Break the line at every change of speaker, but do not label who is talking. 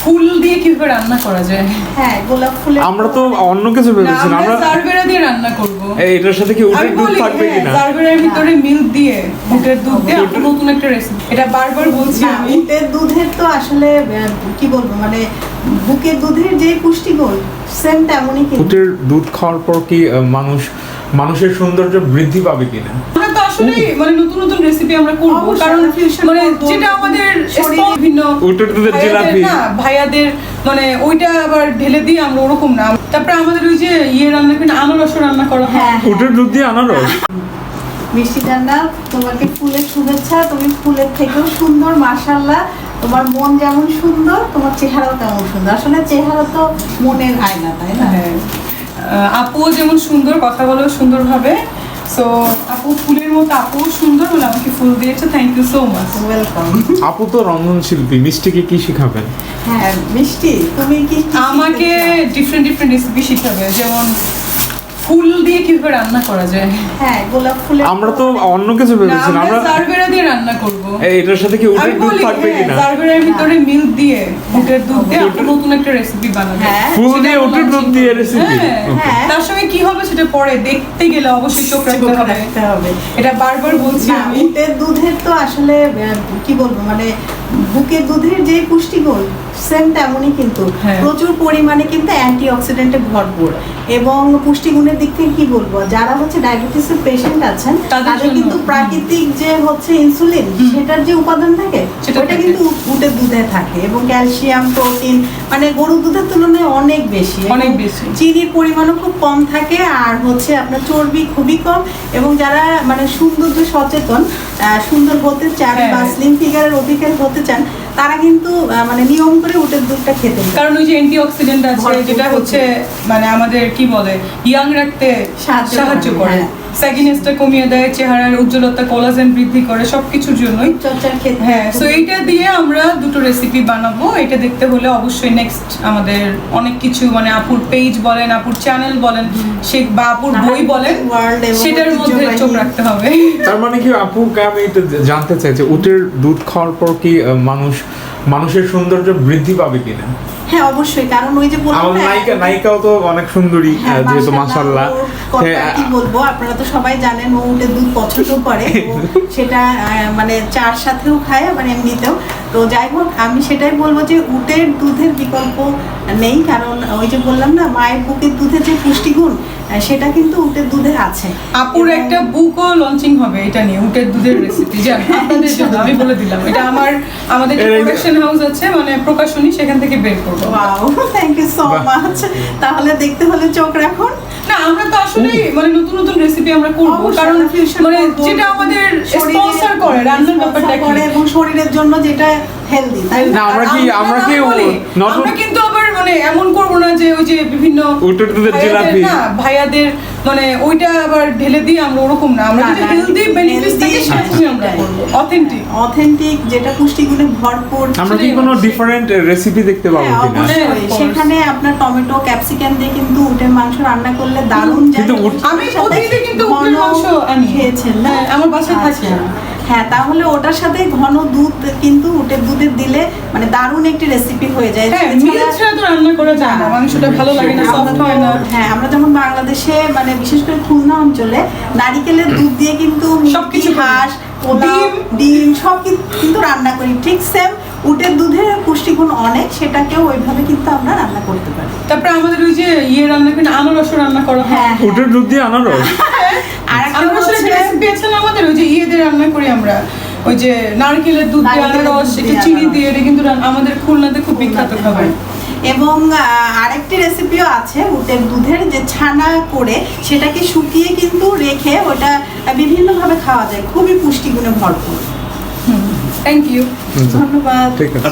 ফুল দিয়ে কিভাবে রান্না করা যায়।
হ্যাঁ, গোলাপ ফুলের
আমরা তো অন্য কিছু ভেবেছিলাম,
আমরা
আমরা
জারবেরা দিয়ে রান্না করব।
এটার সাথে কি উটের দুধ থাকবে কিনা?
জারবেরার ভিতরে মিল্ক দিয়ে, উটের দুধ দিয়ে আপনি নতুন একটা রেসিপি, এটা বারবার বলছি
না,
আমি।
উটের দুধের তো আসলে কি বলবো, মানে বুকের দুধের যে পুষ্টিগুণ সেম তেমনই কিন্তু।
উটের দুধ খাওয়ার পর কি মানুষের সৌন্দর্য বৃদ্ধি পাবে কিনা?
আমরা তো আসলে মানে নতুন নতুন রেসিপি আমরা করব,
অবশ্যই,
কারণ
আমরা fusion
মানে
করবো।
যেটা আমাদের
শরীরে
বিভিন্ন
উটের দুধের
ভাইয়াদের
জিলাপি।
না, ভাইয়াদের মানে ওইটা আবার ঢেলে দিয়ে আমরা ওরকম না। তারপরে আমাদের ওই যে রান্না করি, আনারস রান্না করা হয়।
হ্যাঁ,
উটের দুধ দিয়ে আনারস।
মিষ্টি ডান্ডা, তোমাকে ফুলের শুভেচ্ছা। তুমি ফুলের থেকেও সুন্দর, মাশাআল্লাহ। তোমার মন যেমন সুন্দর, তোমার চেহারাও তেমন সুন্দর। আসলে চেহারা তো মনের আয়না, তাই না?
হ্যাঁ, আপুও যেমন সুন্দর, কথা বলেও সুন্দর ভাবে। সো আপু ফুলের মতো, আপুও সুন্দর বলে আমাকে ফুল দিয়েছে। Thank you so much.
Welcome.
আপু তো রন্ধনশিল্পী, মিষ্টিকে কি শিখাবেন?
হ্যাঁ, মিষ্টি, তুমি কি
আমাকে ডিফারেন্ট রেসিপি শিখাবে, যেমন ফুল দিয়ে কিভাবে রান্না করা যায়।
হ্যাঁ, গোলাপ ফুলের
আমরা তো অন্য কিছু ভেবেছিলাম,
আমরা
আমরা
জারবেরা দিয়ে রান্না করব।
এটার সাথে কি উটের দুধ থাকবে কিনা?
জারবেরার ভিতরে মিল্ক দিয়ে, উটের দুধ দিয়ে আপনি নতুন একটা রেসিপি বানাবেন।
হ্যাঁ,
ফুল দিয়ে উটের দুধ দিয়ে রেসিপি।
হ্যাঁ।
তার সঙ্গে কি হবে সেটা পরে দেখতে গেলে অবশ্যই চোখ রাখতে হবে।
রাখতে হবে।
এটা বারবার বলছি
না,
আমি।
উটের দুধের তো আসলে কি বলবো, মানে বুকের দুধের যে পুষ্টিগুণ সেম তেমনই কিন্তু।
হ্যাঁ।
প্রচুর পরিমাণে কিন্তু অ্যান্টিঅক্সিডেন্টে ভরপুর, এবং পুষ্টিগুণের দিক থেকে কি বলবো, যারা হচ্ছে ডায়াবেটিসের পেশেন্ট আছেন
তাদের
তাদের
জন্য।
কিন্তু প্রাকৃতিক যে হচ্ছে ইনসুলিন, সেটার যে উপাদান থাকে
সেটা
ওটা
থাকে।
কিন্তু উটের দুধে থাকে, এবং ক্যালসিয়াম, প্রোটিন মানে গরুর দুধের তুলনায় অনেক বেশি।
অনেক
এবং
বেশি।
চিনির পরিমাণও খুব কম থাকে, আর হচ্ছে আপনার চর্বি খুবই কম। এবং যারা মানে সৌন্দর্য সচেতন, সুন্দর হতে চান
হ্যাঁ।
বা স্লিম ফিগারের অধিকারী হতে চান, তারা কিন্তু মানে নিয়ম করে উটের দুধটা খেতে পারে।
কারণ ওই যে অ্যান্টিঅক্সিডেন্ট আছে,
ভরপুর
যেটা হচ্ছে মানে আমাদের কি বলে ইয়াং রাখতে সাহায্য করে,
হ্যাঁ।
স্যাগিনেসটা কমিয়ে দেয়, চেহারার উজ্জ্বলতা, কোলাজেন বৃদ্ধি করে, সবকিছুর জন্যই।
চর্চার ক্ষেত্রে
হ্যাঁ, সো এইটা দিয়ে আমরা দুটো রেসিপি বানাবো। এটা দেখতে হলে অবশ্যই নেক্সট আমাদের অনেক কিছু মানে আপুর পেজ বলেন, আপুর চ্যানেল বলেন, সে বা আপুর বই বলেন,
World এবং
সেটার মধ্যে
ঐতিহ্যবাহী।
চোখ রাখতে হবে।
তার মানে কি আপুকে আমি এটা জানতে চাই যে উটের দুধ খাওয়ার পর কি মানুষের সৌন্দর্য বৃদ্ধি পাবে কিনা?
হ্যাঁ, অবশ্যই। কারণ ওই যে বললাম
আমার
না,
নায়িকাও তো অনেক সুন্দরী,
হ্যাঁ,
যেহেতু মাশাআল্লাহ।
ওর কথা কি বলবো, আপনারা তো সবাই জানেন ও উটের দুধ পছন্দ করে। ও সেটা মানে চার সাথেও খায়, আবার এমনিতেও। তো যাই হোক, আমি সেটাই বলবো যে উটের দুধের বিকল্প নেই, কারণ ওই যে বললাম না, মায়ের বুকের দুধের যে পুষ্টিগুণ সেটা কিন্তু উটের দুধে আছে।
আপুর একটা বুকও লঞ্চিং হবে এটা নিয়ে, উটের দুধের রেসিপি, জান আপনাদের জন্য আমি বলে দিলাম। এটা আমাদের যে প্রোডাকশন হাউস আছে, মানে প্রকাশনী, সেখান থেকে বের করবো।
Wow, thank you so much. তাহলে দেখতে হলে চোখ রাখুন।
না, আমরা তো আসলে মানে নতুন নতুন রেসিপি আমরা করব,
অবশ্যই,
কারণ
আমরা fusion
মানে
করবো।
যেটা আমাদের
শরীরে
স্পন্সর করে, রান্নার ব্যাপারটা কি
করে, এবং শরীরের জন্য যেটা হেলদি, তাই না?
না, আমরা কি নতুন
আমরা কিন্তু আবার মানে এমন করব না যে ওই যে বিভিন্ন
উটের দুধের
ভাইয়াদের
জিলাপি।
না, ভাইয়াদের মানে ওইটা আবার ঢেলে দিয়ে আমরা ওরকম না, আমরা
না,
যেটা
না,
হেলদি বেনিফিটস থাকে
healthy,
সেটাই আমরা করব, অথেন্টিক।
অথেন্টিক, যেটা পুষ্টিগুণে ভরপুর।
আমরা কি কোনো ডিফারেন্ট রেসিপি দেখতে পাবো
হ্যাঁ,
কিনা?
অবশ্যই।
Of course.
সেখানে আপনার টমেটো, ক্যাপসিকাম দিয়ে কিন্তু উটের মাংস রান্না করলে দারুণ যায়।
কিন্তু
আমি অতীতে কিন্তু উটের মাংস আনি।
খেয়েছেন না?
হ্যাঁ, আমার বাসায় থাকে।
আচ্ছা। হ্যাঁ, তাহলে ওটার সাথে ঘন দুধ কিন্তু উটের দুধের দিলে মানে দারুণ একটি রেসিপি হয়ে যায়।
হ্যাঁ,
এছাড়া-
মিল্ক ছাড়া তো রান্না করা যায় না, মাংসটা ভালো লাগে না, সফট হয় না।
হ্যাঁ, আমরা যেমন বাংলাদেশে মানে বিশেষ করে খুলনা অঞ্চলে নারিকেলের দুধ দিয়ে কিন্তু
সবকিছু করি।
হাঁস, পোলাও, ডিম সব কিন্তু রান্না করি। ঠিক সেম উটের দুধের পুষ্টিগুণ অনেক, সেটাকেও ওইভাবে কিন্তু আমরা রান্না করতে পারি।
তারপরে আমাদের ওই যে রান্না করি, আনারস রান্না করা হয়।
হ্যাঁ,
উটের দুধ দিয়ে আনারস।
আর একটা
আনারসের
হচ্ছে-
রেসিপি আছে না আমাদের, ওই যে দিয়ে রান্না করি আমরা, ওই যে নারকেলের দুধ দিয়ে
নারকেলের
আনারস,
দুধ
একটু
দিয়ে
চিনি
আনারস।
দিয়ে, এটা কিন্তু আমাদের খুলনাতে খুব বিখ্যাত খাবার।
এবং আরেকটি রেসিপিও আছে উটের দুধের, যে ছানা করে সেটাকে শুকিয়ে কিন্তু রেখে ওটা বিভিন্নভাবে খাওয়া যায়, খুবই পুষ্টিগুণে ভরপুর।
Thank you.
ধন্যবাদ।
ঠিক আছে।